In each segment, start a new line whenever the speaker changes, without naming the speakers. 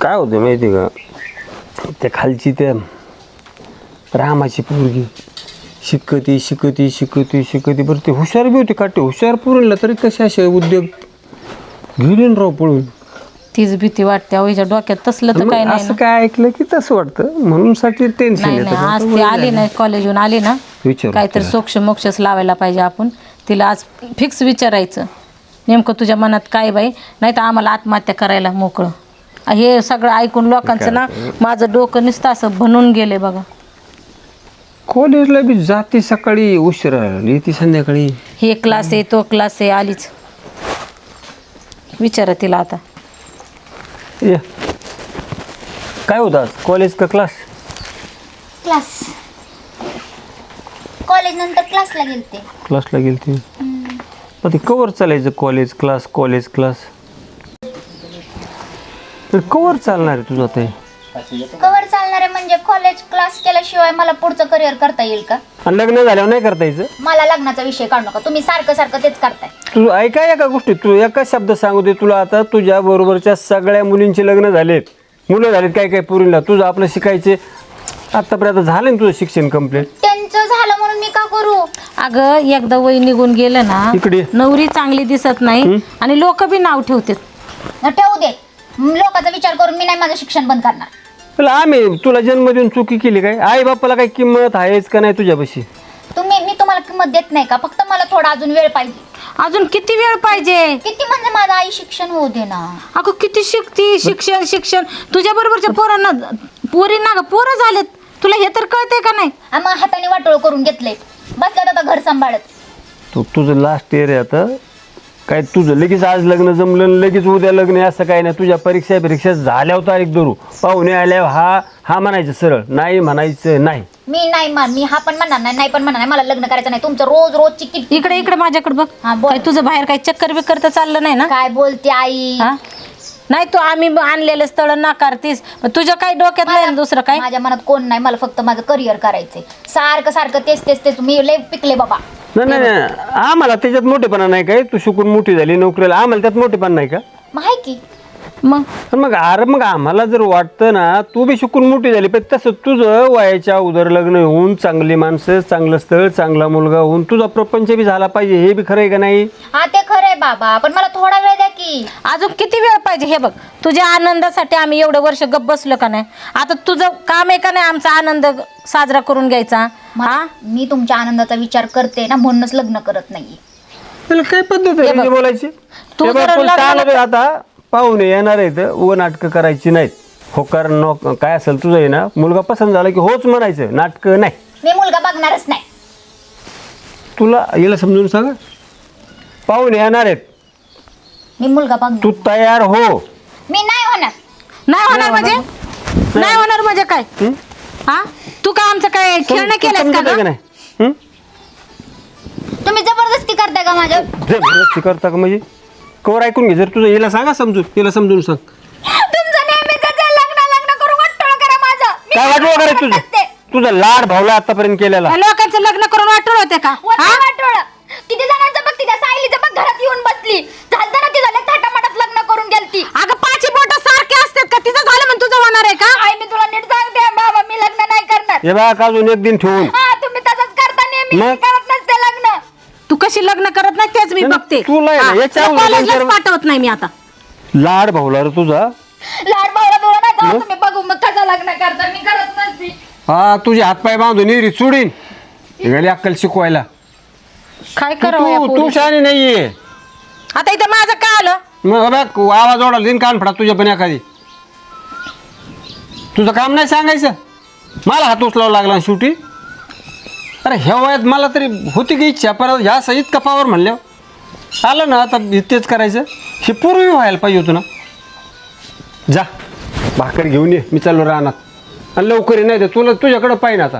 काय होतं माहिती का, त्या खालची त्या रामाची पोरगी शिकती शिकती शिकती शिकती बरं ती हुशार बी होती काटे हुशार पुरणला तरी कसे असे उद्योग गेले राव पळून.
तीच भीती वाटते अहो, हिच्या डोक्यात तसलं तर काही नाही
असं काय ऐकलं की तसं वाटतं म्हणून साठी टेन्शन
नाही नाही. आज ती आली ना कॉलेजहून आली ना, काहीतरी सोक्ष मोक्षच लावायला पाहिजे आपण तिला. आज फिक्स विचारायचं नेमकं तुझ्या मनात काय बाई, नाही तर आम्हाला आत्महत्या करायला मोकळं. हे सगळं ऐकून लोकांचं ना माझं डोकं नुसतं असं बनून गेले बघा.
कॉलेजला बी जाते सकाळी उशिरा येते संध्याकाळी.
हे क्लास आहे तो क्लास आहे, आलीच. विचारा तिला आता.
ये काय होतं आज कॉलेज का क्लास?
क्लास. कॉलेज नंतर क्लासला गेलते.
क्लासला गेली ती मग ते कवर चालायचं college class college class cover चालणार आहे तुझं ते?
कवर चालणार आहे म्हणजे कॉलेज क्लास केल्याशिवाय मला पुढचं करिअर करता येईल का?
आणि लग्न झाल्यावर नाही करता यायचं?
मला लग्नाचा विषय काढू नका तुम्ही, सारखं सारखं तेच करताय.
तू ऐका एका गोष्टी, तू एका शब्द सांगू दे. तुला आता तुझ्या बरोबरच्या सगळ्या मुलींचे लग्न झालेत, मुलं झालेत, काय काय पुरीला. तुझं आपलं शिकायचे आतापर्यंत झालं ना तुझं शिक्षण कंप्लीट?
त्यांचं झालं म्हणून मी का करू?
अगं एकदा वय निघून गेलं ना,
इकडे
नवरी चांगली दिसत नाही आणि लोक बी नाव ठेवतात.
ठेवू दे, लोकांचा विचार करून मी नाही माझं शिक्षण बंद करणार.
तुला आम्ही तुला जन्म देऊन चुकी केली काय? आई बापाला काही किंमत आहेच का नाही तुझ्यापाशी?
मी तुम्हाला किंमत देत नाही का? फक्त मला थोडा अजून वेळ पाहिजे.
अजून किती वेळ पाहिजे?
किती म्हणजे माझं आई शिक्षण होऊ दे ना.
अगं किती शिकती, शिक्षण तुझ्या बरोबरच्या पोरांना पोरींना ग पोरं झालेत, तुला हे तर कळतंय का नाही?
मग हाताने वाटोळ करून घेतलंय, बसल्यात आता घर सांभाळत.
तुझं लास्ट इयर आहे आता. काय तुझं लगेच आज लग्न जमलं लगेच उद्या लग्न असं काय नाही. तुझ्या परीक्षा झाल्यावर तारीख धरू, पाहुणे आल्यावर हा म्हणायचं सरळ, नाही म्हणायचं नाही.
मी हा पण म्हणणार नाही पण म्हणणार नाही. मला लग्न करायचं नाही. तुमचं रोजची किती.
इकडे माझ्याकडे बघ.
हा, बोल.
काय तुझं बाहेर काही चक्कर बिक्कर तर चाललं नाही ना?
काय बोलते आई?
हा? नाही तू आम्ही आणलेलं स्थळ नाकारतीस, तुझ्या काही डोक्यात नाही ना दुसरं काय?
माझ्या मनात कोण नाही, मला फक्त माझं करिअर करायचंय. सारखं तेच मी लय पिकले बाबा.
नाही आम्हाला त्याच्यात मोठेपणा नाही काय. तू शिकून मोठी झाली नोकरीला, आम्हाला त्यात मोठेपणा नाही का?
माहिती की
मग
मग आम्हाला जर वाटतं ना तू बी शिकून मोठी झाली पण तसं तुझं वयाच्या उदर लग्न होऊन चांगली माणसं चांगलं स्थळ चांगला मुलगा होऊन तुझा प्रपंच बी झाला पाहिजे. हे बी खरं आहे का नाही?
हा ते खरंय बाबा, पण मला थोडा वेळ द्या की.
अजून किती वेळ पाहिजे? हे बघ तुझ्या आनंदासाठी आम्ही एवढं वर्ष गप्प बसलो का नाही? आता तुझं काम आहे का नाही आमचा आनंद साजरा करून घ्यायचा?
मी तुमच्या आनंदाचा विचार करते ना, म्हणूनच लग्न करत नाहीये.
त्याला काय पद्धत आहे बोलायची?
तू जर
आता पाहुणे येणार आहेत, व नाटकं करायची नाहीत. होकार काय असेल तुझं आहे ना, मुलगा पसंत झाला की होच म्हणायचं, नाटकं नाही.
मी मुलगा बघणारच नाही.
तुला याला समजून सांग, पाहुणे येणार आहेत,
मी मुलगा बघणार.
तू तयार हो.
मी नाही होणार.
नाही होणार म्हणजे काय? हा तू काय आमचं काय खेळणं केलंस का
नाही?
तुम्ही जबरदस्ती करताय का माझ्या?
जबरदस्ती करता का म्हणजे? कवर ऐकून घे. जर तुझं हिला सांगा समजून, हिला समजून सांग.
तुमचं नेहमीच लग्न करून वाटोळ करा माझं.
काय वाटोळ करायचं तुझं लाड भावला आतापर्यंत केलेला?
लोकांचं लग्न करून वाटोळ होते का?
वाटोळ किती जणांचं बघ, तिच्या सायलीचं बघ घरात येऊन बसली. झालं ना ती झालं थाटामाटात लग्न करून गेलती.
अगं पाची बोट सारखे असतात का? तिचं झालं म्हणून तुझं होणार आहे का?
आई मी तुला नीट सांगते बाबा, मी लग्न नाही करणार.
हे बघ अजून एक दिन ठेवून.
हा तुम्ही तसंच करता नेहमी. मी करत नसते लग्न.
तू कशी लग्न करत नाही तेच मी बघते.
तुला
कॉलेजलाच पाठवत नाही मी आता.
लाड भावला रे तुझा.
लाड भावला तुला नाही का? तुम्ही बघू मग कसं लग्न करता. मी करत नसते.
हा तुझे हातपाय बांधून निरी चुडीन गेली अक्कल शिकवायला.
काय करावं
तू शाणी नाहीये.
आता इथं माझं काय आलं?
मग बघ आवाज ओढाला दिन कान फडा तुझ्या पण एखादी. तुझं काम नाही सांगायचं, मला हात उचलावा लागला शेवटी. अरे ह्या वयात मला तरी होती की इच्छा, परत ह्या सहित कपावर म्हणल्यावर आलं ना आता तेच करायचं. हे पूर्वी व्हायला पाहिजे होतं ना. जा भाकर घेऊन ये, मी चाललो रानात. आणि लवकर नाही तर तुला तुझ्याकडं पाहिजे आता.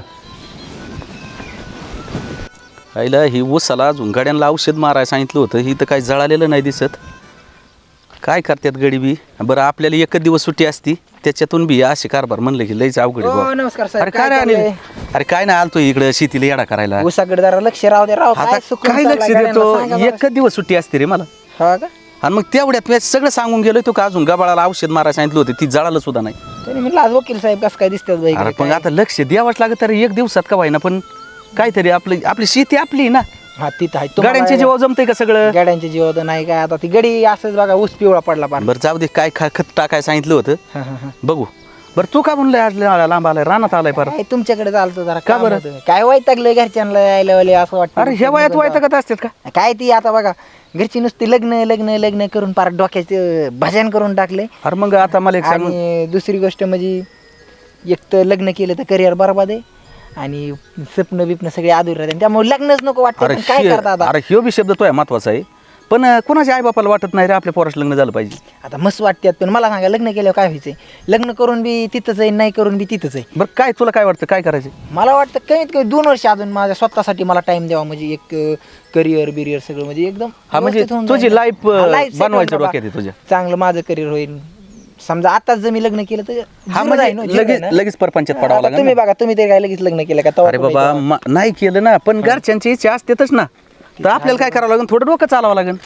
आईला ही ऊसाला झुंगाड्यांना औषध मारायला सांगितलं होतं, ही तर काही जळालेलं नाही दिसत. काय करतात गडी बी? बरं आपल्याला एकच दिवस सुट्टी असती, त्याच्यातून बी असे कारभार म्हणलं की लईच अवघड आहे.
नमस्कार
अरे काय रे अनिल? अरे काय नाही आलतो इकडे शेतीला येडा करायला.
ऊसाकडे जरा लक्ष राहू दे राव.
आता काय लक्ष देतो? एकच दिवस सुट्टी असते रे मला.
हा का?
आणि मग तेवढ्यात मी सगळं सांगून गेलो तो का अजून गबाळाला औषध मारायला सांगितलं होतं ती जळालं सुद्धा नाही.
तरी म्हटलं आज वकील साहेब कसं काय दिसतात बाई
अरे पण आता लक्ष द्यावंच लागत तरी एक दिवसात का व्हायना पण काहीतरी आपली शेती आपली ना.
हा तिथं आहे
गाड्यांच्या जीवा जमतंय का सगळं.
गाड्यांच्या जीवात नाही काय आता ती गडी असंच बघा ऊस पिवळा पडला पार.
बरं जाऊ दे काय खत टाकाय सांगितलं होतं
हा, हा, हा.
बघू. बरं तू का म्हणलंय आज लांब आलाय रानात आलाय पर.
काय तुमच्याकडे चालतो जरा
का
काम
बरं?
होतं. काय वैतागलं घरच्यांना यायला वाले असं वाटतं.
अरे ह्या वयात वैतागत असतात का.
काय ती आता बघा घरची नुसती लग्न लग्न लग्न करून पार डोक्याचे भजन करून टाकले.
अरे मग आता मला एक सांग.
आणि दुसरी गोष्ट म्हणजे एक तर लग्न केलं तर करिअर बरबाद आहे आणि स्वप्न बिप्न सगळे अधुरे राहते त्यामुळे लग्नच नको वाटतं. पण काय करता आता.
अरे ह्यो बी शब्द तो आहे महत्वाचा आहे पण कोणाच्या आई बापाला वाटत नाही रे आपल्या पोराचं लग्न झालं पाहिजे.
आता मस्त वाटतात पण मला सांगा लग्न केल्यावर काय व्हायचंय. लग्न करून बी तिथंच आहे नाही करून बी तिथंच आहे.
बरं काय तुला काय वाटतं काय करायचं.
मला वाटतं कमीत कमी 2 वर्ष अजून माझ्या स्वतःसाठी मला टाइम द्यावा म्हणजे एक करिअर बिरियर सगळं म्हणजे एकदम
हा म्हणजे
व्यवस्थित होऊन
तुझी
जाईल.
लाईफ
हा, life settle
बनवायचं
बाबा.
डोक्यात आहे तुझ्या.
चांगलं माझं करिअर होईल. समजा आताच जर मी लग्न केलं तर
हा
zero जाईल
म्हणजे
ना, zero
लगेच
आहे ना.
लगेच परपंचात पडावं
आता
लागेल
तुम्ही
ना.
बघा तुम्ही तरी काय लगेच लग्न केलं का तेव्हा
अरे
तुम्ही
बाबा
तेव्हा.
नाही केलं ना पण घरच्यांची इच्छा असतेच ना तर आपल्याला काय करावं लागेल थोडं डोकं चालावं लागेल.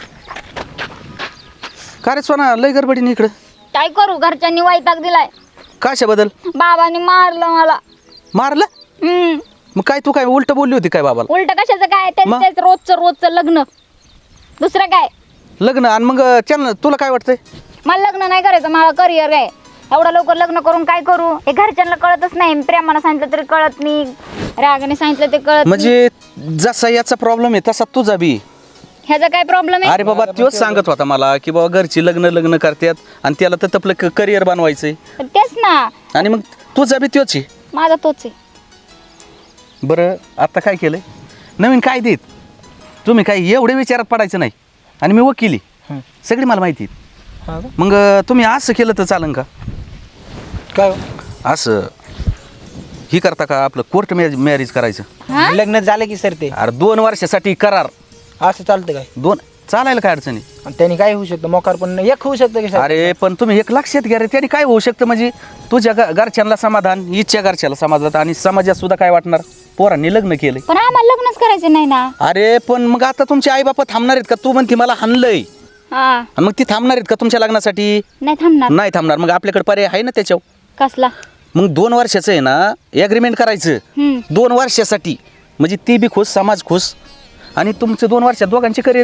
का रे सोना लय गडबडीने इकडं.
काय करू घरच्यांनी वैताग दिलाय.
कशाबद्दल
बाबांनी मारलं मला.
मारलं. मग काय तू काय उलट बोलली होती काय बाबाला.
उलट कशाचं काय तेच
मग?
तेच रोजचं लग्न दुसरं काय.
लग्न आणि मग त्यांना तुला काय वाटतंय.
मला लग्न नाही करायचं मला करिअर आहे. एवढं लवकर लग्न करून काय करू हे घरच्यांना कळतच नाही. प्रेमानं सांगितलं तरी कळत नाही रागाने सांगितलं ते कळत नाही.
म्हणजे जसा याचा प्रॉब्लेम आहे तसा तुझा बी.
ह्याचा काय प्रॉब्लेम आहे.
अरे बाबा तोच सांगत होता मला की बाबा घरची लग्न करतात आणि त्याला तर आपलं करिअर बनवायचंय
तेच ना
आणि मग तुझा बी तोच आहे.
माझा तोच आहे.
बरं आता काय केलंय नवीन काय देत तुम्ही काय एवढे विचारात पडायचं नाही आणि मी वकिली सगळी मला माहिती आहे.
हा का?
मग तुम्ही असं केलं तर चालेल का.
काय हो?
असं ही करता का आपलं कोर्ट मॅरेज करायचं.
लग्न झालं की सर ते
अरे 2 वर्षासाठी करार.
असं चालतं काय
2 चालायला काय अडचणी.
आणि त्यांनी काय होऊ शकतं मोकार पण एक होऊ शकतं की सर.
अरे पण तुम्ही एक लक्षात घ्या रे त्याने काय होऊ शकतं म्हणजे तुझ्या घरच्यांना समाधान इच्छा घरच्याला समाधान आणि समाजात सुद्धा काय वाटणार पोरांनी लग्न केलंय.
पण आम्हाला लग्नच करायचं नाही ना.
अरे पण मग आता तुमचे आई बापा थांबणार आहेत का. तू म्हणते मला हाणलंय
हा
आणि मग ती थांबणार आहेत का तुमच्या लग्नासाठी.
नाही थांबणार.
नाही थांबणार. मग आपल्याकडे पर्याय आहे ना त्याच्यावर.
कसला.
मग 2 वर्षाचं आहे ना ॲग्रीमेंट करायचं 2 वर्षासाठी म्हणजे ती बी खुश समाज खुश आणि तुमचं 2 वर्षात दोघांचे करिअर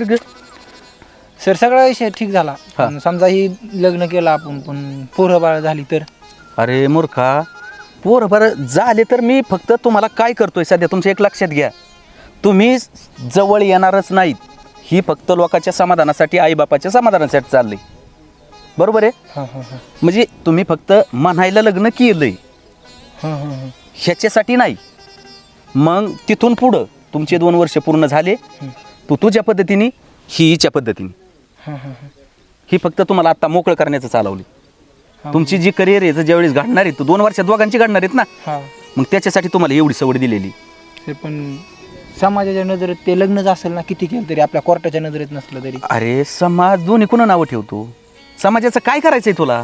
सर सगळा विषय ठीक झाला. पण समजा ही लग्न केलं आपण पण पोरं बाळ झाली तर.
अरे मूर्खा पोरं बरं झाले तर मी फक्त तुम्हाला काय करतोय सध्या तुमचं एक लक्षात घ्या तुम्ही जवळ येणारच नाहीत. ही फक्त लोकांच्या समाधानासाठी आईबापाच्या समाधानासाठी चाललंय. बरोबर आहे. म्हणजे तुम्ही फक्त म्हणायला लग्न केलंय ह्याच्यासाठी नाही. मग तिथून पुढं तुमचे 2 वर्ष पूर्ण झाले तू तुझ्या पद्धतीने ही हिच्या पद्धतीने ही फक्त तुम्हाला आता मोकळं करण्याचं चालवली. तुमची जी करिअर आहे ज्यावेळेस घडणार आहे 2 वर्षात दोघांची घडणार आहेत ना मग त्याच्यासाठी तुम्हाला एवढी सवड दिलेली.
पण समाजाच्या नजरेत ते लग्नच असेल ना किती केलं तरी आपल्या कोर्टाच्या नजरेत नसलं तरी.
अरे समाज दोन्ही कुणा नावं ठेवतो. समाजाचं काय करायचंय तुला.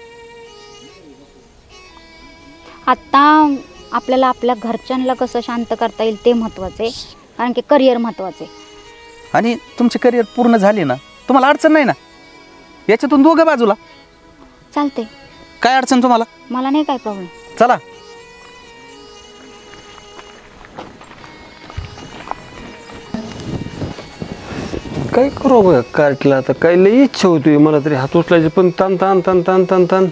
आता आपल्याला आपल्या घरच्यांना कसं शांत करता येईल ते महत्वाचं आहे कारण की करिअर महत्वाचं आहे.
आणि तुमचे करिअर पूर्ण झाले ना तुम्हाला अडचण नाही ना याच्यातून दोघं बाजूला
चालते.
काय अडचण तुम्हाला.
मला नाही काय प्रॉब्लेम.
चला
काय करू बघ कार्टला आता काय लई इच्छा होती मला तरी हात उचलायचे पण तान तान तान तान तान तान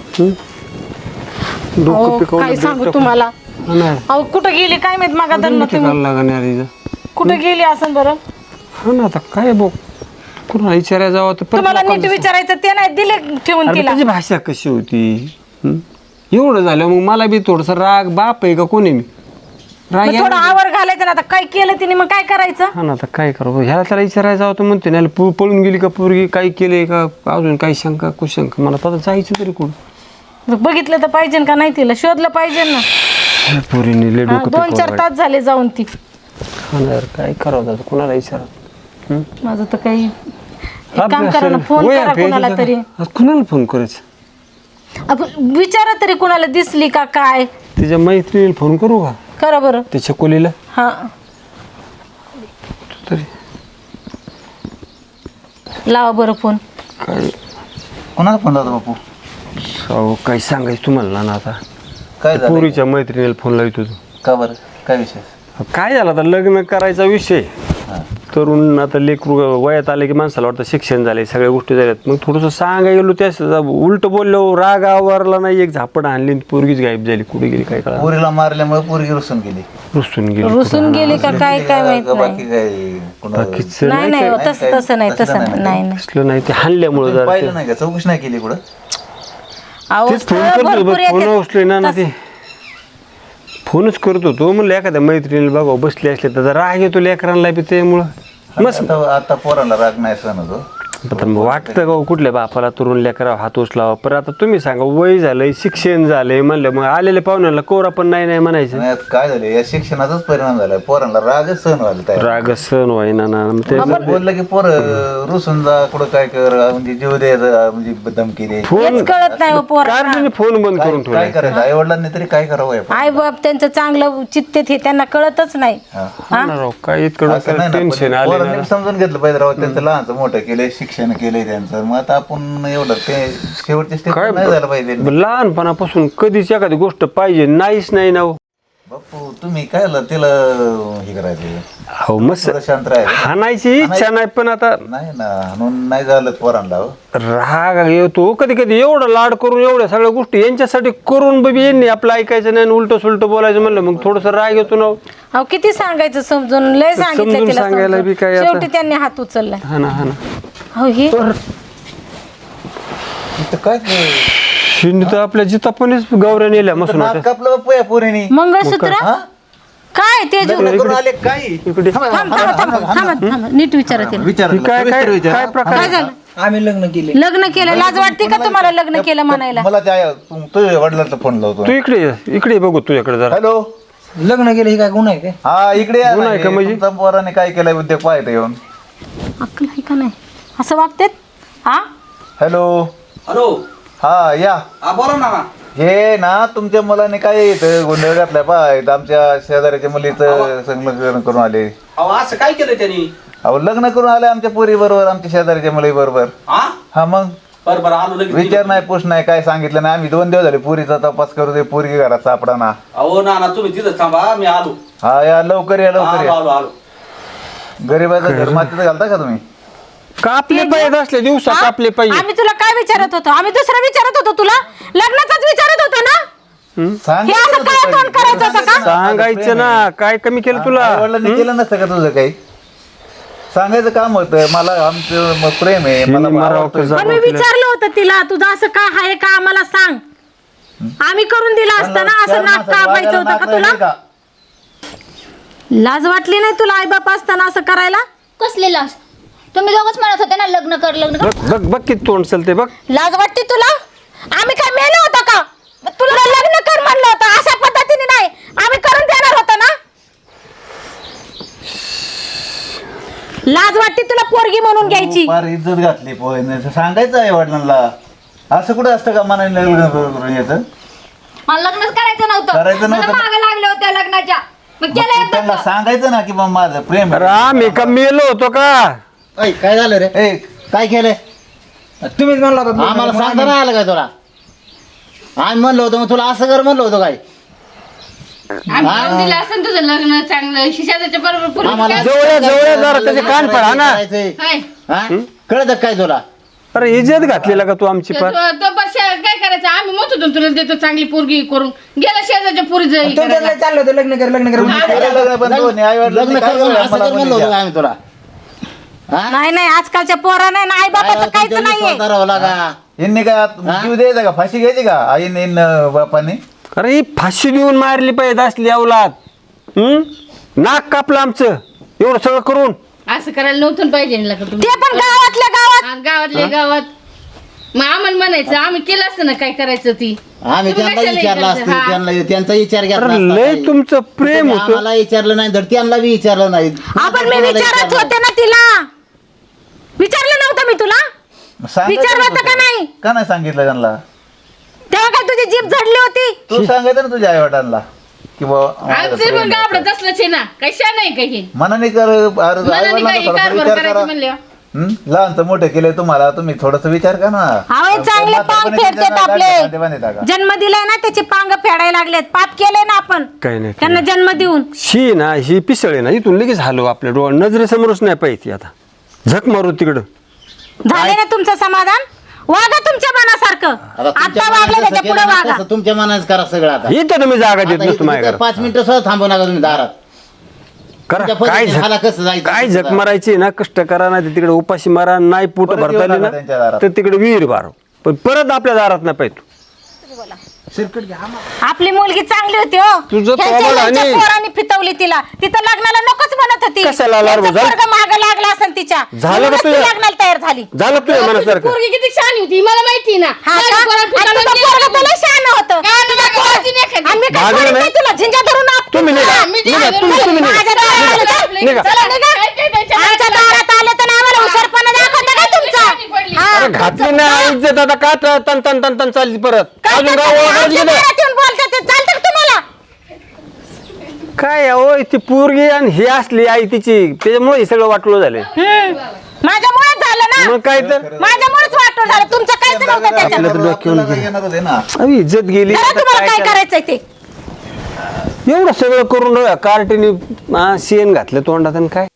डोकं
काय सांगू
पिकवलं
तुम्हाला.
नाही
अहो कुठं गेली काय माहित मागा तुम्ही
लागणार
कुठं गेली असं बरं.
हा ना आता काय बघ कुणाला विचारायला जावं तर परत
तुम्हाला नीट
लोकांचं-
विचारायचं ते नाही दिले ठेवून
अरे
तिला.
त्याची भाषा कशी होती एवढं झालं मग मला बी थोडस राग बाप आहे का कोणी मी राग
मग थोडं आवर घालायचं ना आता काय केलं तिने मग काय करायचं.
हा ना आता काय करू ह्याला त्याला विचारायला जावं तर म्हणते ना पळून गेली का पोरगी काय केलंय का अजून काही शंका कुशंका मला आता जायचं तरी कुठं
बघितलं तर पाहिजे का नाही तिला शोधलं पाहिजे ना.
पोरीने लय डोकं
2-4
पिकवलं.
तास झाले जाऊन ती.
हा ना यार, काय करावं आता कुणाला विचारा
माझं तर काही एक काम करा ना फोन करा कुणाला तरी.
कुणाला फोन करायचं
आपण विचारा तरी कुणाला दिसली का काय.
तिच्या मैत्रिणीला फोन करू का
करा बरं.
त्याच्या कोलीला
हा
तरी
लावा बरं फोन.
काय
कोणाला फोन लावतो बापू?
अहो काय सांगायचं तुम्हाला ना आता.
काय झालं?
पुरीच्या मैत्रिणीला फोन लावत होतो.
का बरं? काय विषय?
काय झालं आता लग्न करायचा विषय. तरुण आता लेकरू वयात आले की माणसाला वाटतं शिक्षण झाले, सगळ्या गोष्टी झाल्यात. मग थोडंसं सांगायला गेलो त्याच उलट बोललो, राग आवरला नाही, एक झापड आणली पोरगीच गायब झाली. कुठे गेली काय कळलं.
पोरीला मारल्यामुळे पोरगी रुसून गेली.
रुसून गेली का काय काय माहित नाही.
बाकी काय कोणाला
बाकीचं
नाही नाही हो, तसं नाही नाही.
असलं नाही ते हाणल्यामुळं जरा
पाहिलं नाही का? चौकशी नाही केली कुठं?
अहो
तेच फोन
स्थळं
करतो
भरपूर
फोन
येतात.
उचले ना ते फोनच करत होतो. म्हणलं एखाद्या मैत्रिणीला बघा बसले असले तर राग येतो लेकरांना बी त्यामुळं. मस्त
आता पोराला राग नाही सण होतो.
आता मग वाटतं का कुठल्या बापाला तरुण लेकरावर हात उचलावा. पण आता तुम्ही सांगा वय झालंय, शिक्षण झालंय म्हणलं, मग आलेल्या पाहुण्याला कोरा पण नाही म्हणायचं.
आणि यात काय झालं? या शिक्षणाचाच परिणाम झाला. पोरांना रागच सहन व्हायला तयार.
राग सण व्हायना ना. मग ते
बोललं की पोर रुसून जा, कुठं काय कर, म्हणजे जीव द्यायचा, म्हणजे धमकी दे.
हेच कळत नाही हो पोरांना.
कार्डने फोन बंद करून
काय करायचं? आई वडिलांनी तरी काय करावं? या
आई बाप त्यांचं चांगलं चित्त हे त्यांना कळतच नाही.
ठेवलं काय इतकं
असं नाही ना,
टेन्शन
पण
आले
पोरांनी समजून घेतलं पाहिजे राव. त्यांचं लहानचं मोठं केलंय, शिक्षण केलंय त्यांचं. मग आता आपण एवढं ते शेवटच्या स्टेप
काय
नाही झालं पाहिजे.
लहानपणापासून कधीच एखादी गोष्ट पाहिजे नाहीच नाही ना हो.
बापू तुम्ही काय तिला हे करायचं?
हो मस्त
थोडं शांत राहायचं.
हाणायची इच्छा नाही पण आता
नाही ना, म्हणून नाही झालं पोरांना हो.
राग येतो कधी कधी. एवढं लाड करून एवढ्या सगळ्या गोष्टी यांच्यासाठी करून बी यांनी आपलं ऐकायचं नाही, उलट सुलट बोलायचं म्हणलं मग थोडस राग येतो ना.
अहो किती सांगायचं समजून, लय सांगितलं
समजून
तिला
सांगायला
समजून.
बी काय आता.
शेवटी त्यांनी हात उचललाय.
हा ना हा ना.
हो हे
इथं काय
शिंदे तर आपल्या जितापणीच गौऱ्या नेल्या मसून
नाक कापलं बापू या पोरीनी.
मंगळसूत्र काय ते जो
लग्न करून आले काय?
इकडे
थांबा नीट विचारा तिला.
विचार
काय काय काय प्रकार
काय झालं?
आम्ही लग्न केले.
लग्न केलं, लाज वाटते का तुम्हाला लग्न केलं म्हणायला?
मला त्या तुझ्या वडिलांचा फोन लावतो.
तू इकडे बघू तुझ्याकडे जरा.
हॅलो,
लग्न केलं हे काय गुन्हा आहे काय?
हा इकडे या
गुन्हा आहे का
ना.
म्हणजे?
तुमच्या पोराने काय केलंय उद्योग पाहता येऊन.
अक्कल आहे का नाही असं वागतेत? हा
हॅलो,
हॅलो,
हा या.
हा बोला ना.
हे ना तुमच्या मुलाने काय इथं गोंधळ घातलाय पाय. आमच्या शेजाऱ्याच्या मुलीचं लग्न करून आले.
अहो असं काय केलं त्यांनी?
अहो लग्न करून आले आमच्या पोरी बरोबर, आमच्या शेजाऱ्याच्या मुली बरोबर. हा मग
बरं आलो लगेच.
विचार नाही पूछ नाही काय सांगितलं नाही. आम्ही 2 दिवस झाले पुरीचा तपास करू दे, पोरगी घरात सापडा ना.
अहो ना तुम्ही तिथं थांबा, मी आलो.
हा या लवकर या लवकर या.
आलो.
गरीबाचं घर मातीचं घालता का तुम्ही?
कापले पाहिजे असले दिवसा कापले पाहिजे.
आम्ही तुला काय विचारत होतो? आम्ही दुसरं विचारत होतो तुला, लग्नाचाच विचारत होतो ना. हे असं काय तोंड करायचं होतं का?
सांगायचं ना काय कमी केलं तुला.
वडिलांनी केलं नसतं का तुझं काही? सांगायचं काम होतं. मला आमचं प्रेम आहे, मला
मरावं
आवडतोय.
कसं?
पण मी विचारलं होतं तिला, तुझं असं काय आहे का आम्हाला सांग. आम्ही करून दिलं असतं ना. असं नाक कापायचं होतं का तुला? लाज वाटली नाही तुला आई बाप असताना असं करायला?
कसले लाज? तुम्ही दोघंच म्हणत होते ना लग्न कर लग्न कर.
बघ बघ बघ किती तोंड चलते बघ.
लाज वाटते तुला? आम्ही काय मेलो होतो का? तुला लग्न कर म्हणलं होतं, अशा पद्धतीने नाही. आम्ही करून देणार होतो ना. लाज वाटते तुला पोरगी म्हणून घ्यायची?
फार इज्जत घातली पोहे. सांगायचं आहे वडिलांना. असं कुठं असतं का मनाने लग्न करून याचं?
मला लग्नच करायचं नव्हतं.
करायचं नव्हतं.
मला मागं लागले होते लग्नाच्या. मग केलं एकदाच.
त्यांना सांगायचं ना की बाबा माझं प्रेम
अरे आम्ही का मेलो होतो का?
काय झालं रे?
आहे.
काय केलंय?
तुम्हीच म्हणला होता.
आम्हाला सांगता नाही आलं काय तुला? आम्ही म्हणलो होतो मग तुला असं कर म्हणलो होतो काय?
आम्ही दिलं असं तुझं लग्न चांगलं शेजारच्या बरोबर
आम्हाला
जवळ जरा त्याचे कान पडा ना.
कळत काय तुला?
अरे इज्जत घातलेला का तू आमची पार?
काय करायचं आम्ही म्हणत होतो तुला देतो चांगली पोरगी करून गेला शेजारच्या पोरी
तुमचं चाललं होतं लग्न कर लग्न कर.
केलं लग्न पण दोन्ही आई-वडिलांनी
लग्न
काय
कर म्हणून
केलं
असं
मला
कर म्हणलो
मुलीच्या?
होतो आम्ही तुला.
नाही आजकालच्या पोरा नाही आई बापाचं काहीच नाहीये.
का?
यांनी काय जीव द्यायचा का? फाशी घ्यायची का आईने बापाने?
अरे ही फाशी देऊन मारली पाहिजे असली अवलाद. नाक कापलं आमचं एवढं सगळं करून.
असं करायला नव्हतं पाहिजे ना लग्न तुम्ही.
ते पण गावातल्या गावात.
गावातले गावात मग आम्हाला म्हणायचं आम्ही केलं असतं ना काय करायचं ती.
आम्ही
तुम्ही
त्यांना
कशाला
विचारलं
इकडचं?
असतं,
हा.
त्यांचा विचार घेतला
अरे
असता
लय
काही.
तुमचं प्रेम
तुम्ही
होतं.
आम्हाला विचारलं नाही तर त्यांना बी विचारलं नाही.
आपण मी विचारत होते ना तिला. विचारलं नव्हतं मी तुला?
सांगायचं
विचारलं
नव्हतं
होतं का नाही?
का नाही सांगितलं त्यांना?
तेव्हा काय तुझी जीभ झडली होती?
तू सांगायचं ना तुझ्या आई वडिलांना की
आमचं पण गावडं तसलंच आहे ना काही शा नाही काही
मनाने कर.
मनाने काही कारभार
विचार
करायचं
करा.
म्हणले
लहानचं मोठं केलंय तुम्हाला, तुम्ही थोडस विचार करा ना.
अहो हे चांगले पांग
म्हातारपणी
फेडतात
त्यांच्या
आपले.
दाढी बांधतात का?
जन्म दिलाय ना त्याचे पांग फेडायला लागलेत. पाप केले ना आपण
काही नाही
त्यांना जन्म देऊन.
ही ना ही पिसळ आहे ना, इथून लगेच हलव आपल्या डोळ्या नजरेसमोरच नाही पाहिजे. आता झक मारू तिकडं.
झाले ना तुमचं समाधान. वागा तुमच्या मनासारखं. आता वागले त्याच्या पुढे वागा.
तुमच्या मनाच करा सगळं आता.
इथं तुम्ही जागा देत
आता
नसतो
इथं
माझ्या घरात.
5 मिनिटं सुद्धा थांबू नका तुम्ही दारात.
करा
तुमच्या
काय
पद्धतीने हाला कसं जायचं
काय
ते
झक
सुद्धा.
मारायची ना, कष्ट करा ना, तिकडे उपाशी मारा, नाही पोट
परत
भरता
येऊ
आली
नका
ना
त्यांच्या दारात.
तर तिकडे विहीर बार, पण परत आपल्या दारात नाही पाहिजे.
आपली मुलगी चांगली होती हो.
तुझं
ह्यांच्या
तोंड
ह्यांच्या
आणि-
पोरांनी फितवली तिला. तिथं लग्नाला नकोच म्हणत होती.
कशाला लाड
त्यांचं
झालं?
पोरगं मागं लागलं असेल तिच्या.
झालं का
म्हणूनच ती
तुझ्या?
लग्नाला तयार झाली.
झालं तुझ्या मनासारखं.
पोरगी किती छान होती मला माहिती ना.
हा
माझ्या
का?
पोराला
आणि
फिरवलं
तुझं
नाही.
पोरगं तुला शहाणं होतं.
गाणं गाणं गावाची नाही खाल्ली.
आणि मी काय
भागलं
सोडीत
नाही?
नाही तुला. झिंजा धरून आपटून.
तुम्ही निघा.
हा, मी
निघा,
जाणार.
तुम्ही निघा.
माझ्या दारात आलं तर?
निघा.
चला निघा. आमच्या दारात आले तर आम्हाला हुशारपणा दाखवता का तुमचा? हा.
अरे घातली नाही इज्जत, आता का तन तन तन तन चालली परत.
काय
अजून
करता?
गाव ओळखायला
आमच्या
गेलं.
दारात येऊन बोलता ते चालतं का तुम्हाला?
काय हो ती पोरगी आणि ही असली आई तिची, त्याच्यामुळे हे सगळं वाटलं झालं.
माझ्यामुळेच झालं ना.
मग काय तर
माझ्यामुळेच वाटलं झालं. तुमचं काहीच नव्हतं त्याच्यात.
आपलं तर डोक्यावर
आपल्याला काय येणार होते ना.
अरे इज्जत गेली.
करा
आता
तुम्हाला काय
काय
करायचंय ते.
एवढं सगळं करून राहिला, कार्टीने शेण घातलं तोंडात आणि काय.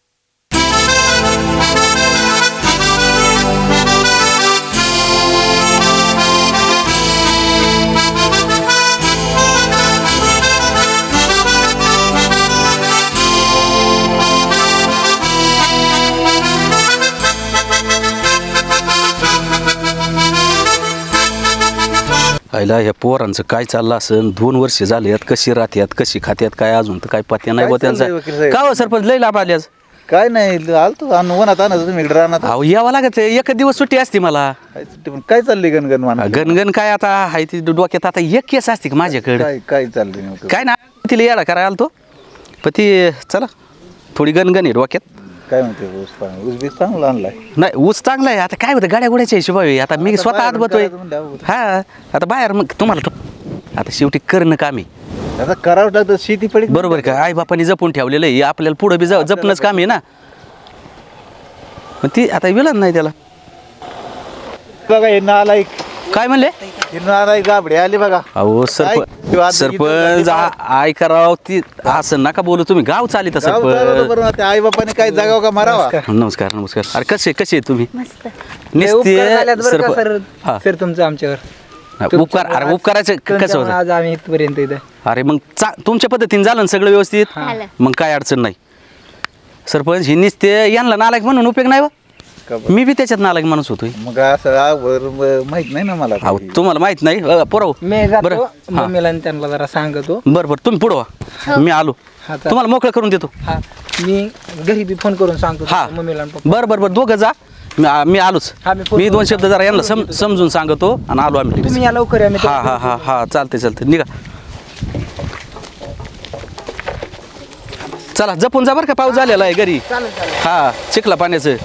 आईला ह्या पोरांचं काय चाललं असेल. 2 वर्ष झाले आहेत, कशी राहत्यात कशी खात्यात काय अजून तर काय पत्या नाही बा
चाललंय वकील
त्यांचा.
साहेब?
का हो सरपंच लय लाभ आले आज.
काय नाही आलतो वनात आणत तुम्ही इकडे राहणार
अहो यावं लागत एक दिवस सुट्टी असते मला.
काय चालली गणगण मान
गणगण काय आता हाय ती डोक्यात आता एक केस असते का माझ्याकडे.
काय काय चाललंय नेमकं?
काय ना तिला याडा करायला आलतो पण ती चला थोडी गणगण आहे डोक्यात.
काय म्हणते ऊस बीस चांगला आणलाय.
नाही ऊस चांगला आहे. आता काय होतं गाड्या गोड्याच्या हिशोबावे आता मी
आता
स्वतः
बाहेरून
आतबतोय.
करायचं म्हणल्यावर होतं.
हा आता बाहेर मग तुम्हाला आता शेवटी करणं कामी
आता करावं लागतं शेती पडी
बरोबर का. आई बापाने जपून ठेवलेलं आहे आपल्याला पुढे बी जपणंच काम आहे ना. मग ती आता विलन नाही त्याला.
बघा हे नालायक
काय म्हणले.
हे नालायक गाबडे आले बघा.
अहो
काय?
सरपंच आय करावं ती असं नका बोलू तुम्ही. गाव चालित
गाव चालवलं
सरपंच.
बरं ना, आई बापाने काय जागाव का मारावा.
नमस्कार नमस्कार. अरे कसे तुम्ही.
मस्त.
हा.
सर तुमचं आमच्यावर
उपकार अरे उपकाराचं कसं
तुमच्यामुळे
होतं.
आज आम्ही इथपर्यंत इथं.
अरे मग तुमच्या पद्धतीने झालं ना सगळं व्यवस्थित.
झालं.
मग काय अडचण नाही. सरपंच ही ते यांना नालायक म्हणून उपयोग नाही
का
बा. मी बी त्याच्यात नालायक माणूस होतोय.
मग असं माहित नाही ना मला
अहो
काही.
तुम्हाला माहित नाही पोराव.
मी
बरं
जातो
हा.
मम्मीला आणि त्यांना जरा सांगतो.
बरं तुम्ही पुढं व्हा. मी आलो
हा, चालेल.
तुम्हाला मोकळं करून देतो.
हा मी घरी बी फोन करून सांगतो
हा
मम्मीला आणि पप्पा.
बरं दोघं जा. मी आलोच.
हा, मी फोन
मी 2
करून
शब्द जरा यांना समजून सांगतो आणि आलो आम्ही लगेच.
तुम्ही या लवकर या, मी
हा हा हा हा चालते निघा. चला जपून जा बरं का. पाऊस झालेला आहे घरी. हा चिखला पाण्याचं.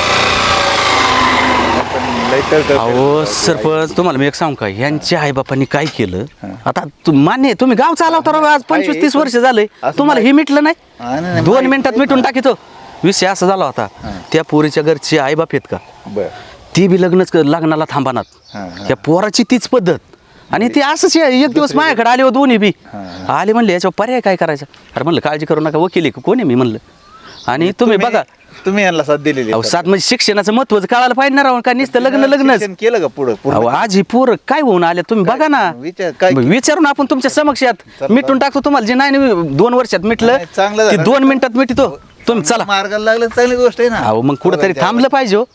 लय तळतळ
अहो सरपंच तुम्हाला मी एक सांगू का. यांच्या आईबापांनी काय केलं आता मान्य आहे, तुम्ही गाव चालवता राव. आज 25-30 वर्ष झाले
असं
तुम्हाला हे मिटलं
हा,
नाही.
नाही,
2
माहित
मिनिटात मिटून टाकीतो. विषय असा झाला होता. त्या पोरीच्या घरचे आईबाप आहेत का
बर
ती बी लग्नाला थांबणार.
हा, हा.
त्या पोराची तीच पद्धत. आणि ते असंच एक दिवस माझ्याकडे आले हो दोन्ही बी. आले म्हणले याच्यावर पर्याय काय करायचा. अरे म्हणलं काळजी करू नका वकील आहे का कोणी मी म्हणलं. आणि तुम्ही बघा
तुम्ही यांना साथ दिलेली
अहो साथ म्हणजे शिक्षणाचं महत्व कळायला पाहिजे ना राव. का नुसतं लग्नच.
शिक्षण केलं का पुढं
अहो आज ही पोर काय होऊन आले तुम्ही बघा ना.
काय
विचारून आपण तुमच्या समक्ष यात मिटून टाकतो तुम्हाला जे नाही 2 वर्षात मिटलं
नाही, चांगलं
ते
झालं.
2 मिनिटात मिटतो. तुम्ही चला.
मार्गाला लागलं तर चांगली गोष्ट आहे ना.
अहो मग कुठंतरी थांबलं पाहिजे हो.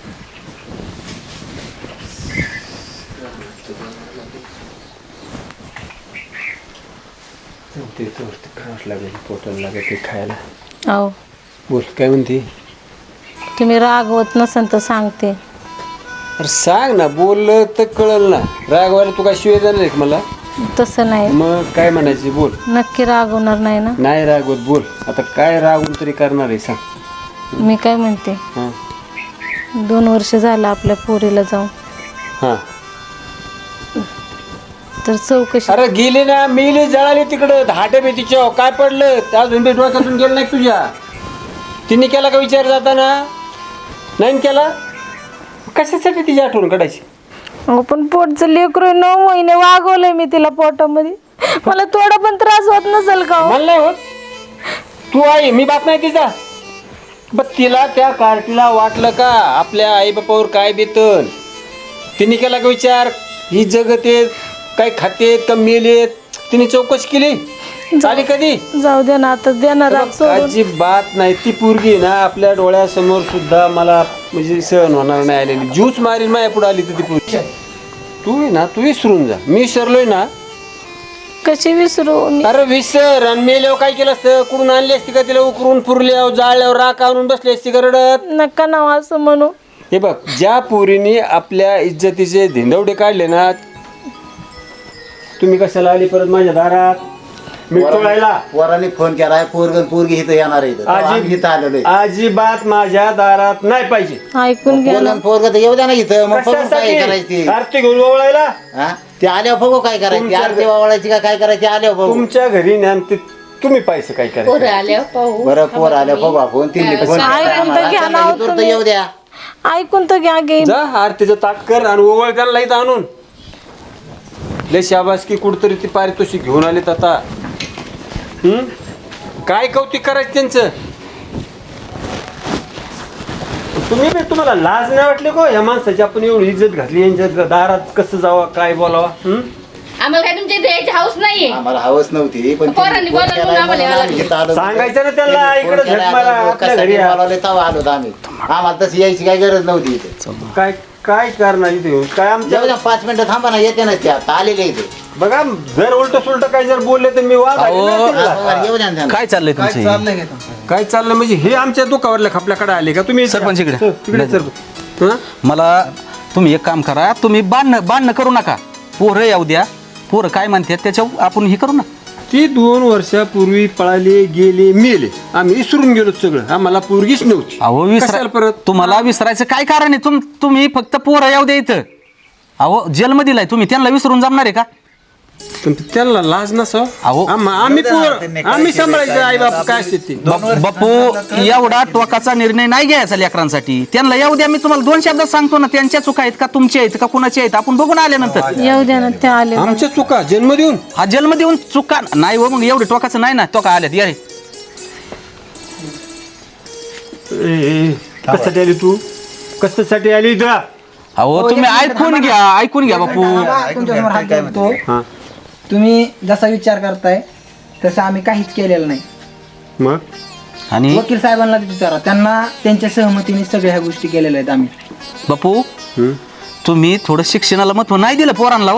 पोटाला लागेल ते खायला.
अहो
बोल काय म्हणते.
तुम्ही रागवत नसन तर सांगते.
अरे सांग ना, बोललं तर कळल ना. रागवायला तू काय शिवाय जाणार आहे का मला.
तसं नाही.
मग काय म्हणायची बोल.
नक्की रागवणार नाही ना.
नाही रागवत बोल. आता काय रागून तरी करणार आहे सांग.
मी काय म्हणते
हां
2 वर्ष झालं आपल्या पोरीला जाऊन.
हां.
तर चौकशी.
अरे गेली ना, मेली जळाली तिकडं. धाटे बी तिच्या काय पडलं. त्या अजून बी डोक्यातून गेलं नाही तुझ्या. तिने केला का विचार जाताना. नाही केला कशासाठी तिची आठवण काढायची?
अहो पण पोटचं लेकरू 9 महिने वागवलंय मी तिला पोटामध्ये. मला थोडा पण त्रास होत नसेल का हो?
मला नाही होत. तू आई मी बाप नाही तिचा. पण तिला त्या कार्टीला वाटलं का आपल्या आईबापावर काय बेतन? तिने केला का विचार? ही जगतेत काय खातेत का मेलेत? तिने चौकशी केली झाली कधी?
जाऊ दे ना आता देणार
अजिबात नाही. ती पोरगी ना आपल्या डोळ्यासमोर सुद्धा मला म्हणजे सहन होणार नाही आलेली. ज्यूस मारीन माझ्या पुढे आली तर ती पोरगी. तू आहे ना तू विसरून जा. मी विसरलोय ना.
कशी विसरू मी?
अरे विसर. आणि मेल्यावर काय केलं असतं? कुठून आणली असती का तिला? उकरून पुरल्यावर जाळल्यावर राख आणून बसली असती का रडत?
नका ना असं म्हणू.
हे बघ ज्या पोरीने आपल्या इज्जतीचे धिंडवडे काढले ना. तुम्ही कशाला आली परत माझ्या दारात? मी टोळायला
पोराने फोन केलाय पोरगी इथं येणार आहे इथं. आम्ही इथं आलेलो आहे.
अजिबात माझ्या दारात नाही पाहिजे.
ऐकून घ्या ना.
पोरग तर येऊ द्या ना इथं. मग बघू काय करायची.
आरती घेऊन ओवळायला
हा ते आल्यावर बघू काय करायची. आरती वावळायची का काय करायची आल्यावर बघू.
तुमच्या घरी ज्ञान ते तुम्ही पैसे काय करायचं?
बरं पोर आल्यावर बघू आपण. तिने फोन
ऐकून तर घ्या ना
केला तर येऊ द्या.
ऐकून तर घ्या गे.
जा आरतीचं ताट कर आणि ओवळ त्यांना इथं आणून. लय शाबासकी कुठतरी ती पारितोषिक घेऊन आलेत आता. काय कौतिक करायचं त्यांचं? तुम्हाला लाज नाही वाटली को या माणसाची? आपण एवढी इज्जत घातली यांच्या दारात कसं जावं काय बोलावा?
आम्हाला काय तुमच्या इथे यायची हाऊस नाहीये.
आम्हाला हवस नव्हती पण
पोरांनी बोलावलं म्हणून आम्हाला यावं लागलं.
सांगायचं ना त्यांना इकडे झक मारा आपल्या घरी या.
आलो आम्ही. आम्हाला तशी यायची काही गरज नव्हती इथे.
काय काय करणार इथे येऊन? काय आमच्या
जाऊ द्या 5 मिनिटं थांबा ना. येते ना त्या आता आलेले इथे.
बघा जर उलट सुलट काय जर बोलले तर मी वाद घालीन ना तिला.
बरं, येऊ द्या ना त्यांना.
काय चाललंय तुमचं?
काय चाललं म्हणजे हे आमच्या दुखावरल्या खपल्याकडे आले का तुम्ही?
सरपंच इकडे.
तिकडे सरपंच. हं?
मला तुम्ही एक काम करा. तुम्ही बांधणं करू नका. पोरं येऊ द्या. पोरं काय म्हणतात त्याच्यावर आपण हे करू ना.
ती 2 वर्षापूर्वी पळाले गेले मेले. आम्ही विसरून गेलो सगळं. आम्हाला पोरगीच नव्हती.
अहो
कशाला परत?
तुम्हाला विसरायचं काय कारण आहे? तुम्ही फक्त पोरं येऊ द्या इथं. अहो जेलमध्ये दिलाय तुम्ही त्यांना विसरून जमणार आहे का?
पण त्यांना लाज नसावं.
अहो.
आम्ही सांभाळायचं आई बाप काय असते ते.
बापू एवढा टोकाचा निर्णय नाही घ्यायचा लेकरांसाठी. त्यांना येऊ द्या. मी तुम्हाला 2 शब्दात सांगतो ना. त्यांच्या चुका आहेत का तुमच्या आहेत का कुणाच्या आहेत आपण बघून आल्यानंतर.
येऊ द्या ना ते आले.
आमच्या चुका जन्म देऊन
हा जन्म देऊन चुका नाही हो. मग एवढे टोकाचं नाही ना. टोका आल्यात या रे.
कशासाठी आली तू? कशासाठी आली इथं?
अहो तुम्ही ऐकून घ्या बापू.
तुमच्यासमोर हात जोडतो.
हा
तुम्ही जसा विचार करताय तसं आम्ही काहीच केलेलं नाही.
मग
आणि
वकील साहेबांना विचारा. त्यांना त्यांच्या सहमतीने सगळ्या ह्या गोष्टी केलेल्या आहेत आम्ही.
बापू तुम्ही थोडं शिक्षणाला महत्व नाही दिलं पोरांना.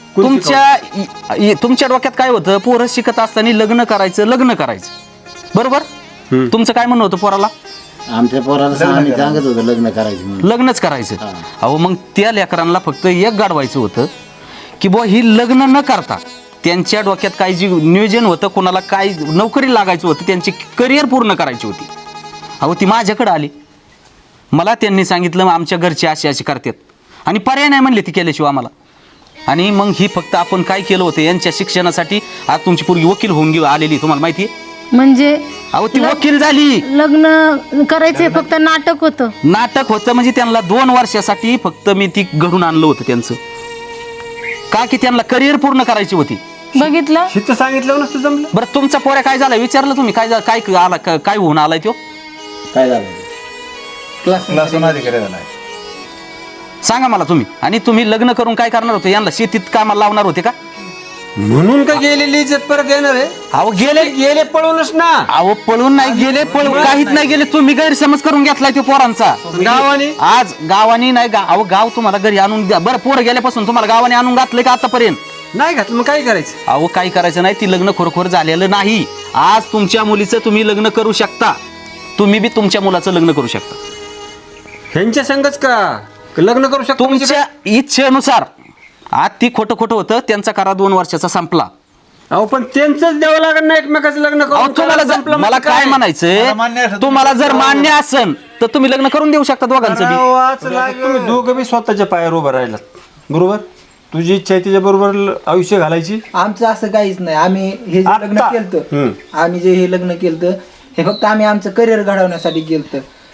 तुमच्या डोक्यात काय होतं? पोरं शिकत असताना लग्न करायचं बरोबर. तुमचं काय म्हणणं होतं पोराला?
आमच्या पोराला आम्ही सांगत होतो लग्न करायचं म्हणून.
लग्नच करायचं. अहो मग त्या लेकरांना फक्त एक गाडवायचं होतं की बुवा ही लग्न न करता त्यांच्या डोक्यात काय जी नियोजन होतं, कोणाला काय नोकरी लागायचं होतं, त्यांची करिअर पूर्ण करायची होती. अहो ती माझ्याकडे आली. मला त्यांनी सांगितलं आमच्या घरचे असे करतात आणि पर्याय नाही म्हणले ती केल्याशिवाय आम्हाला. आणि मग ही फक्त आपण काय केलं होतं यांच्या शिक्षणासाठी. आज तुमची पोरगी वकील होऊन आलेली तुम्हाला माहिती आहे.
म्हणजे
अहो ती वकील झाली.
लग्न करायचे फक्त नाटक होतं.
नाटक होतं म्हणजे त्यांना 2 वर्षासाठी फक्त मी ती घडून आणलं होतं त्यांचं. का की त्यांना करिअर पूर्ण करायची होती.
बघितलं
शिस्त सांगितलं नसतं जमलं.
बरं तुमचा पोऱ्या काय झाला विचारलं तुम्ही? काय होऊन आलाय तो?
काय झालं?
क्लासून अधिकारी झाला.
सांगा मला तुम्ही. आणि तुम्ही लग्न करून काय करणार होते? यांना शेतीत कामाला लावणार होते का?
म्हणून का गेलेली इज्जत परत येणार आहे?
अहो
गेले पळूनच ना.
अहो पळून नाही गेले. काहीच नाही गेले. तुम्ही गैरसमज करून घेतलाय तो पोरांचा.
गावाने
आज गावानी नाही अहो गाव तुम्हाला घरी आणून द्या. बरं पोरं गेल्यापासून तुम्हाला गावाने आणून घातलंय का आतापर्यंत?
नाही घातलं मग काय करायचं?
अहो काही करायचं नाही. ती लग्न खरोखर झालेलं नाही. आज तुमच्या मुलीचं तुम्ही लग्न करू शकता. तुम्ही बी तुमच्या मुलाचं लग्न करू शकता.
ह्यांच्या संगच का लग्न करू शकतो?
तुमच्या इच्छेनुसार. आज ती खोटं होतं. त्यांचा करा 2 वर्षाचा संपला.
अहो पण त्यांचंच द्यावं लागत नाही एकमेकाचं लग्न
अहो
करून.
तुम्हाला मला काय म्हणायचंय, तुम्हाला जर मान्य असेल तर तुम्ही लग्न करून देऊ शकता दोघांचं बी.
तुम्ही दोघं बी स्वतःच्या पायावर उभं राहिलात बरोबर. तुझी इच्छा आहे तिच्या बरोबर आयुष्य घालायची.
आमचं असं काहीच नाही. आम्ही हे जे लग्न केलं, आम्ही जे हे लग्न केलं हे फक्त आम्ही आमचं करिअर घडवण्यासाठी केलं.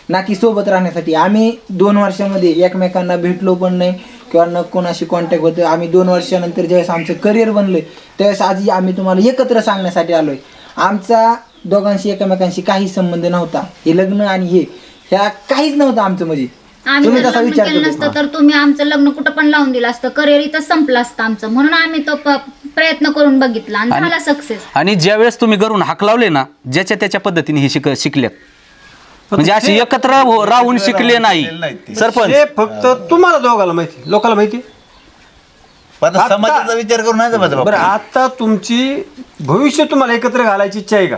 ना की सोबत राहण्यासाठी. आम्ही 2 वर्षामध्ये एकमेकांना भेटलो पण नाही किंवा न कोणाशी कॉन्टॅक्ट होतं. आम्ही 2 वर्षानंतर ज्यावेळेस आमचं करिअर बनलं त्यावेळेस आधी आम्ही तुम्हाला एकत्र सांगण्यासाठी आलोय. आमचा दोघांशी एकमेकांशी काही संबंध नव्हता. हे लग्न आणि ह्या काहीच नव्हतं आमचं. म्हणजे
आम्ही
तुम्ही
जर
तसा
लग्न
विचार
केलं
करत
नसतं तर तुम्ही आमचं लग्न कुठं पण लावून दिलं असतं, करिअर इथं संपलं असतं आमचं. म्हणून आम्ही तो प्रयत्न करून बघितला आणि झाला सक्सेस.
आणि ज्या वेळेस तुम्ही घरून हाक लावले ना, ज्याच्या त्याच्या पद्धतीने हे शिकल्यात. म्हणजे अशी एकत्र राहून शिकले नाही सरपंच.
हे फक्त तुम्हाला दोघाला माहिती, लोकांना माहिती.
पण आता समाजाचा विचार करून नाही जमत
बरं,
बाबा.
आता तुमची भविष्य तुम्हाला एकत्र घालायची इच्छा आहे का?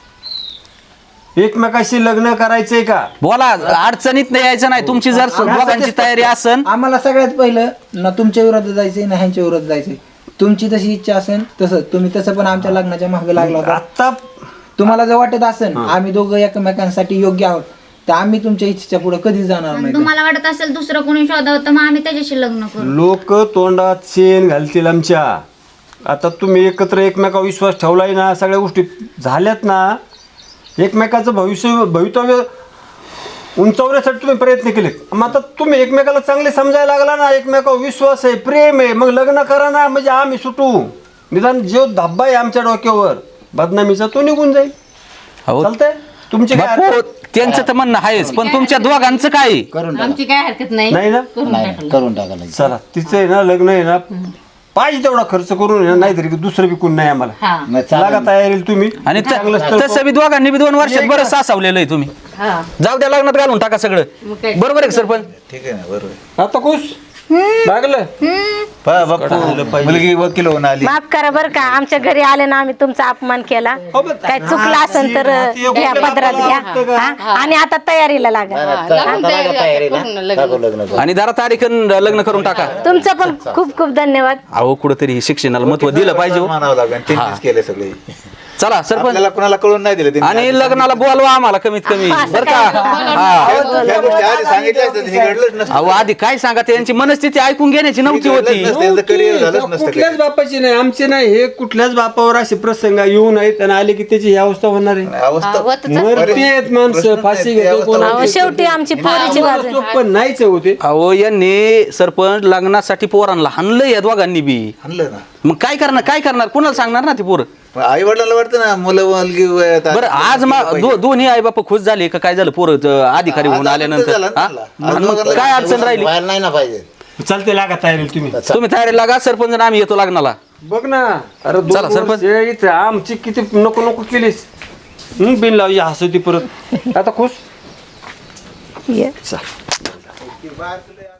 एकमेकाशी लग्न करायचंय का?
बोला, अडचणीत नाही यायचं नाही. तुमची जर दोघांची तयारी असेल,
आम्हाला सगळ्यात पहिलं ना तुमच्या विरोधात जायचंय ना ह्यांच्या विरोधात जायचंय. तुमची तशी इच्छा असेल तसं तुम्ही तसं पण आमच्या लग्नाच्या मागे लागला होता.
आता
तुम्हाला जर वाटत असेल आम्ही दोघं एकमेकांसाठी योग्य आहोत तर आम्ही तुमच्या इच्छेच्या पुढे कधीच जाणार
आणि
नाही.
तुम्हाला वाटत असेल दुसरं कोणी शोधावं तर मग आम्ही त्याच्याशी लग्न करू.
लोक तोंडात शेण घालतील आमच्या. आता तुम्ही एकत्र एकमेकावर विश्वास ठेवलाय ना, सगळ्या गोष्टी झाल्यात ना, एकमेकाचं भवितव्य उंचावण्यासाठी तुम्ही प्रयत्न केलेत. मग आता तुम्ही एकमेकाला चांगले समजायला लागला ना, एकमेकावर विश्वास आहे, प्रेम आहे, मग लग्न करा ना. म्हणजे आम्ही सुटू. निदान जो धब्बा आहे आमच्या डोक्यावर बदनामीचा तो निघून जाईल.
अहो,
चालतंय तुमची काय
बापू, त्यांचं तर म्हणणं आहेच, पण तुमच्या दोघांचं काय?
करून
आमची काय हरकत नाही.
नाही ना?
नाही, करून टाकायला.
चला, तिचं आहे ना लग्न आहे ना, पाहिजे तेवढा खर्च करून आहे ना, नाहीतरी दुसरं विकून नाही आम्हाला.
हा
नाही, चालेल.
लागा तयारी तुम्ही.
आणि
चांगलं स्थळ
तसं बी दोघांनी बी 2 वर्षात बरं सासावलेलं आहे तुम्ही.
हा
जाऊ द्या, लग्नात घालून टाका सगळं.
मग काय?
बरोबर आहे का सरपंच?
ठीक आहे ना, बरोबर आहे.
आता खुश लागलं.
पहा बापू, मुलगी वकील होऊन आली.
माफ करा बरं का, आमच्या घरी आले ना आम्ही तुमचा अपमान केला. काय चुकलं असेल तर घ्या, पदरात घ्या. हा? आणि आता तयारीला लागा.
लागून तयारीला करून लग्न.
टाकू लग्न करू.
आणि जरा तारीख लग्न करून टाका.
तुमचं पण खूप खूप धन्यवाद.
अहो, कुठंतरी शिक्षणाला महत्व दिलं पाहिजे हो.
मानावं लागेल. त्यांनीच केले सगळे.
चला सरपंच,
आपल्याला कोणाला कळून नाही दिलं त्यांनी.
आणि लग्नाला बोलवा आम्हाला कमीत कमी, बरं का? हा.
या गोष्टी आधी सांगितल्या असत्या तर हे घडलंच नसतं.
अहो, आधी काय सांगा, त्यांची मनस्थिती ऐकून घेण्याची नव्हती होती.
त्यांचं करिअर झालंच नसतं.
कुठल्याच बापाची नाही, आमचे नाही. हे कुठल्याच बापावर असे प्रसंग येऊ नयेत आणि आले की त्याची ही अवस्था होणार आहे.
अवस्था
मरतेत माणसं, फाशी घेतो कोण.
अहो, शेवटी आमची पोरीची बाजू.
सोपं नाहीच होते.
अहो, यांनी सरपंच लग्नासाठी पोरांना हाणलं या दोघांनी बी.
आणलं ना.
मग काय करणार कुणाला सांगणार ना ती पोरं?
आई वडिलांना वाटतं ना मुलं मुलगी वयात आली.
बरं, आज दोन्ही आई बाप खुश झाले का? काय झालं पोरं अधिकारी होऊन आल्यानंतर?
झालं ना
हा?
त्याला.
आणि मग काय अडचण राहिली?
व्हायला नाही ना पाहिजे.
चालते, लागा तयारी तुम्ही.
तुम्ही तयारी लागा सरपंच, आणि आम्ही येतो लग्नाला.
बघ ना, अरे
चला, सरपंच.
इथे आमची किती नको नको केलीस. बिन लावली हसती परत. आता खुश.
ये.
चल.